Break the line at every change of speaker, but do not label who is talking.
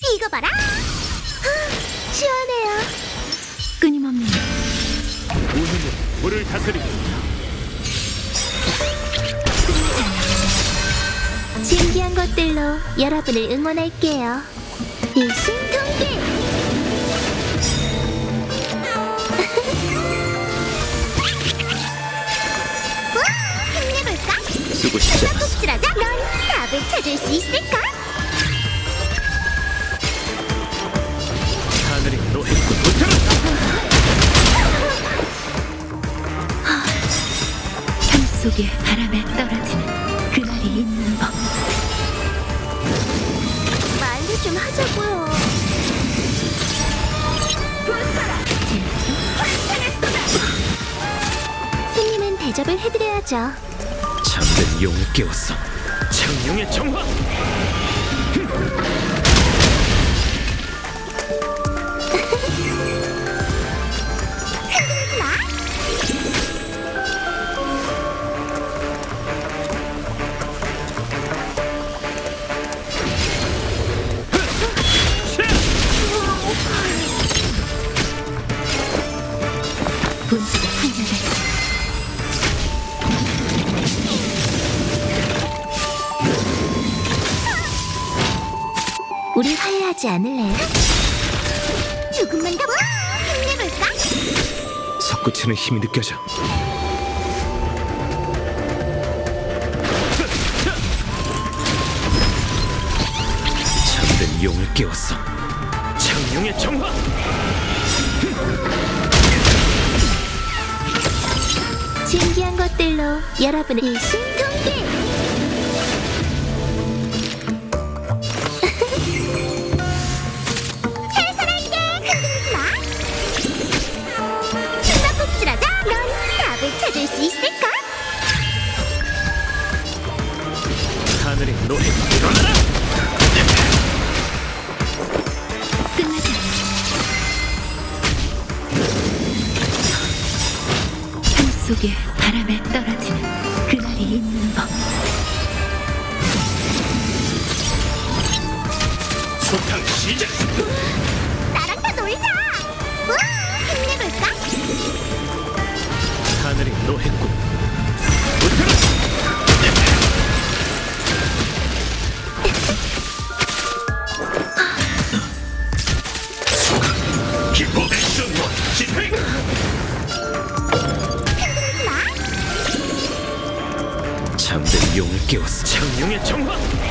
이거 봐라. 시원해요.
끊임없는
우주는 물을 다스리고
신기한 것들로 여러분을 응원할게요. 일심동기. 와, 힘내볼까?
쓰고 싶지 않았어.
꼭지라자. 넌 답을 찾을 수 있을까?
하늘이 노했고 못하라.
삶 속의 바람에 떨어지는 그날이 있는 법.
말도 좀 하자고요. 손님은 대접을 해드려야죠.
잠든 용을 깨웠어. 창룡의 정화.
흔들지 마.
본수가 환멸했지.
우리 화해하지 않을래요? 조금만 더. 힘내볼까?
솟구치는 힘이 느껴져. 잠든 용을 깨웠어. 창룡의 정화.
신기한 것들로 여러분을 일심동기. 살살할게. 흔들지 마. 숨바꼭질하자. 넌 답을 찾을 수 있을까?
하늘이 노했고 일어나라.
끝나지 않아. 삶 속의 바람에 떨어지는 그날이 있는 법.
소탕 시작.
나랑 다 놀자. 와, 힘내볼까?
하늘이 노했고 못하라. 기포 액션 원 집행.
흔들지 마.
잠든 용을 깨웠어. 창룡의 정화.